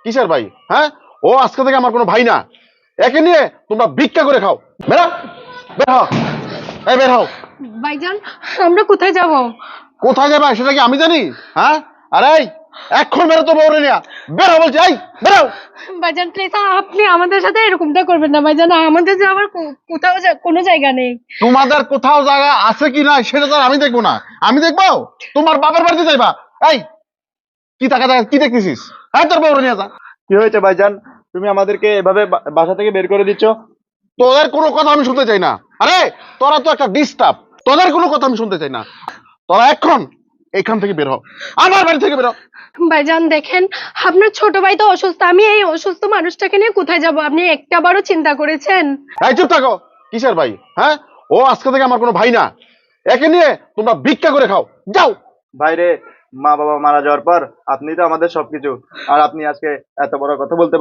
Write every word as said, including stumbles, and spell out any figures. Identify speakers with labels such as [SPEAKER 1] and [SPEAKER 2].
[SPEAKER 1] কিসের ভাই? হ্যাঁ, ও আজকে থেকে আমার কোনো ভাই না। একে নিয়ে তোমরা ভিক্ষা করে খাও। বেরা, বের হও, এই বের হও।
[SPEAKER 2] ভাইজান, আমরা কোথায় যাব?
[SPEAKER 1] কোথায় যাবে সেটা কি আমি জানি? হ্যাঁ, আরে এই, এখন বেরো তো বউরে নিয়া। বেরো বলছি, এই বেরো।
[SPEAKER 2] ভাইজান প্লিজ, আপনি আমাদের সাথে এরকমটা করবেন না ভাইজান। আমাদের যাওয়ার কো- কোথাও যা- কোনো জায়গা নেই।
[SPEAKER 1] তোমাদের কোথাও জায়গা আছে কি না সেটা তো আর আমি দেখবো না। আমি দেখবো তোমার বাবার বাড়িতে যাইবা। এই, কি টাকা টাকা কি দেখতেছিস? হ্যাঁ, তোর বউরে নিয়ে যা।
[SPEAKER 3] কি হয়েছে ভাইজান? তুমি আমাদেরকে এভাবে বা- বাসা থেকে বের করে দিচ্ছ?
[SPEAKER 1] তোদের কোনো কথা আমি শুনতে চাই না। আরে তোরা তো একটা ডিস্টার্ব। তোদের কোনো কথা আমি শুনতে চাই না। তোরা এখন এখান থেকে বের হ, আমার বাড়ি থেকে বের হ।
[SPEAKER 2] ভাইজান দেখেন, আপনার ছোট ভাই তো অসুস্থ। আমি এই অসুস্থ মানুষটাকে নিয়ে কোথায় যাব আপনি একটাবারও চিন্তা করেছেন?
[SPEAKER 1] এই চুপ থাকো। কিসের ভাই? হ্যাঁ, ও আজকে থেকে আমার কোনো ভাই না। একে নিয়ে তোমরা ভিক্ষা করে খাও, যাও।
[SPEAKER 3] ভাইরে, মা বাবা মারা যাওয়ার পর আপনি তো আমাদের সবকিছু, আর আপনি আজকে এত বড় কথা বলতে